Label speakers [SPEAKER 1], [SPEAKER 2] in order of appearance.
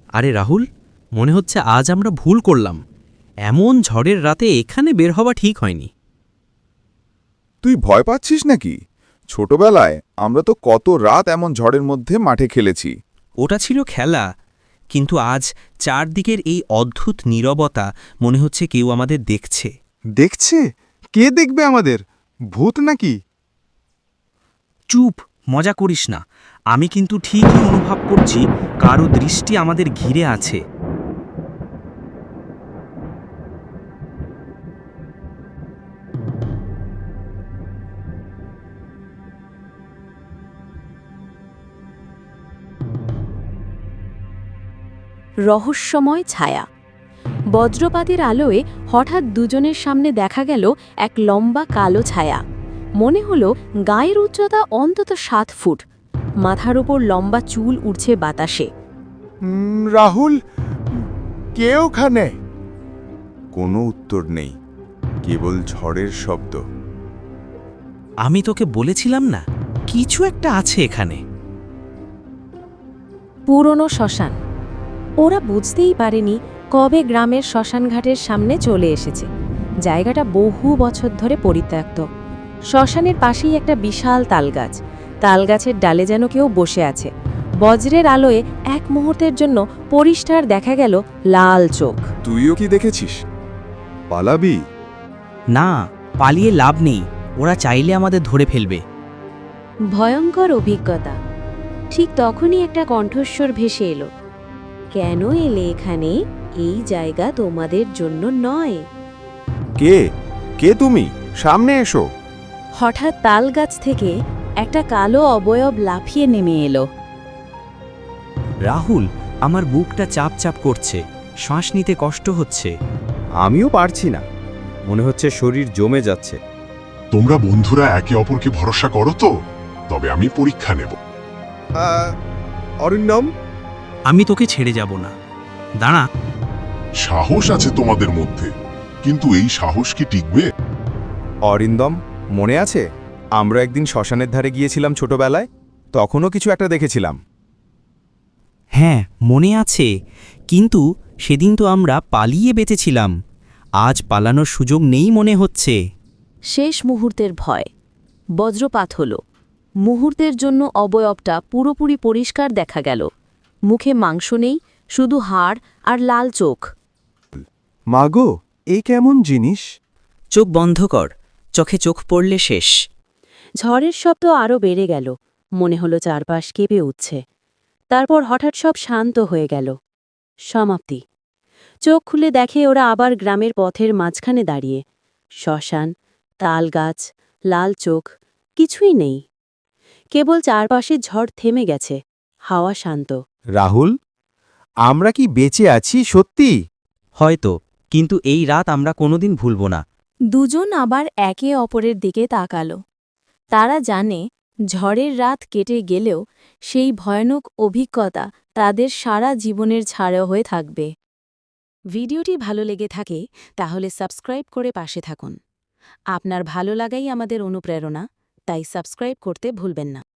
[SPEAKER 1] আরে রাহুল, মনে হচ্ছে আজ আমরা ভুল করলাম। এমন ঝড়ের রাতে এখানে বের হওয়া ঠিক হয়নি।
[SPEAKER 2] তুই ভয় পাচ্ছিস নাকি? ছোটবেলায় আমরা তো কত রাত এমন ঝড়ের মধ্যে মাঠে খেলেছি।
[SPEAKER 1] ওটা ছিল খেলা, কিন্তু আজ চারদিকের এই অদ্ভুত নীরবতা, মনে হচ্ছে কেউ আমাদের দেখছে।
[SPEAKER 3] দেখছে? কে দেখবে আমাদের? ভূত নাকি?
[SPEAKER 1] চুপ, মজা করিস না। আমি কিন্তু ঠিকই অনুভব করছি কারো দৃষ্টি আমাদের ঘিরে আছে।
[SPEAKER 4] রহস্যময় ছায়া। বজ্রপাতের আলোয় হঠাৎ দুজনের সামনে দেখা গেল এক লম্বা কালো ছায়া। মনে হলো গায়ের উচ্চতা অন্তত 7 ফুট, মাথার উপর লম্বা চুল উড়ছে বাতাসে।
[SPEAKER 3] রাহুল, কে ওখানে?
[SPEAKER 2] কোনো উত্তর নেই, কেবল ঝড়ের শব্দ।
[SPEAKER 1] আমি তোকে বলেছিলাম না, কিছু একটা আছে এখানে।
[SPEAKER 4] পুরনো শ্মশান। ওরা বুঝতেই পারেনি কবে গ্রামের শ্মশানঘাটের সামনে চলে এসেছে। জায়গাটা বহু বছর ধরে পরিত্যক্ত। শ্মশানের পাশেই একটা বিশাল তালগাছ। তালগাছের ডালে যেন কেউ বসে আছে। বজ্রের আলোয় এক মুহূর্তের জন্য পরিষ্কার দেখা গেল লাল চোখ।
[SPEAKER 2] তুইও কি দেখেছিস? পালাবি?
[SPEAKER 1] না, পালিয়ে লাভ নেই, ওরা চাইলে আমাদের ধরে ফেলবে।
[SPEAKER 4] ভয়ঙ্কর অভিজ্ঞতা। ঠিক তখনই একটা কণ্ঠস্বর ভেসে এলো। কেন এলে এখানে? এই জায়গা তোমাদের জন্য নয়।
[SPEAKER 2] কে? কে তুমি? সামনে এসো।
[SPEAKER 4] হঠাৎ তালগাছ থেকে একটা কালো অবয়ব লাফিয়ে নেমে এলো।
[SPEAKER 1] রাহুল, আমার বুকটা চাপ চাপ করছে, শ্বাস নিতে কষ্ট হচ্ছে।
[SPEAKER 3] আমিও পারছি না, মনে হচ্ছে শরীর জমে যাচ্ছে।
[SPEAKER 5] তোমরা বন্ধুরা একে অপরকে ভরসা করো তো? তবে আমি পরীক্ষা নেব।
[SPEAKER 3] অরিন্দম,
[SPEAKER 1] আমি তোকে ছেড়ে যাব না। দাঁড়া।
[SPEAKER 5] সাহস আছে তোমাদের মধ্যে, কিন্তু এই সাহস কি টিকবে?
[SPEAKER 2] অরিন্দম, মনে আছে আমরা একদিন শ্মশানের ধারে গিয়েছিলাম ছোটবেলায়? তখনও কিছু একটা দেখেছিলাম।
[SPEAKER 1] হ্যাঁ, মনে আছে, কিন্তু সেদিন তো আমরা পালিয়ে বেঁচেছিলাম। আজ পালানোর সুযোগ নেই মনে হচ্ছে।
[SPEAKER 4] শেষ মুহূর্তের ভয়। বজ্রপাত হলো। মুহূর্তের জন্য অবয়বটা পুরোপুরি পরিষ্কার দেখা গেল। মুখে মাংস নেই, শুধু হাড় আর লাল চোখ।
[SPEAKER 3] মাগো, এই কেমন জিনিস?
[SPEAKER 1] চোখ বন্ধ কর, চোখে চোখ পড়লে শেষ।
[SPEAKER 4] ঝড়ের শব্দ আরও বেড়ে গেল। মনে হলো চারপাশ কেঁপে উঠছে। তারপর হঠাৎ সব শান্ত হয়ে গেল। সমাপ্তি। চোখ খুলে দেখে ওরা আবার গ্রামের পথের মাঝখানে দাঁড়িয়ে। শ্মশান, তালগাছ, লাল চোখ, কিছুই নেই। কেবল চারপাশে ঝড় থেমে গেছে, হাওয়া শান্ত।
[SPEAKER 3] রাহুল, আমরা কি বেঁচে আছি সত্যি?
[SPEAKER 1] হয়তো, কিন্তু এই রাত আমরা কোনোদিন ভুলব না।
[SPEAKER 4] দুজন আবার একে অপরের দিকে তাকালো। তারা জানে ঝড়ের রাত কেটে গেলেও সেই ভয়ানক অভিজ্ঞতা তাদের সারা জীবনের ছাড়া হয়ে থাকবে। ভিডিওটি ভালো লেগে থাকে তাহলে সাবস্ক্রাইব করে পাশে থাকুন। আপনার ভালো লাগাই আমাদের অনুপ্রেরণা, তাই সাবস্ক্রাইব করতে ভুলবেন না।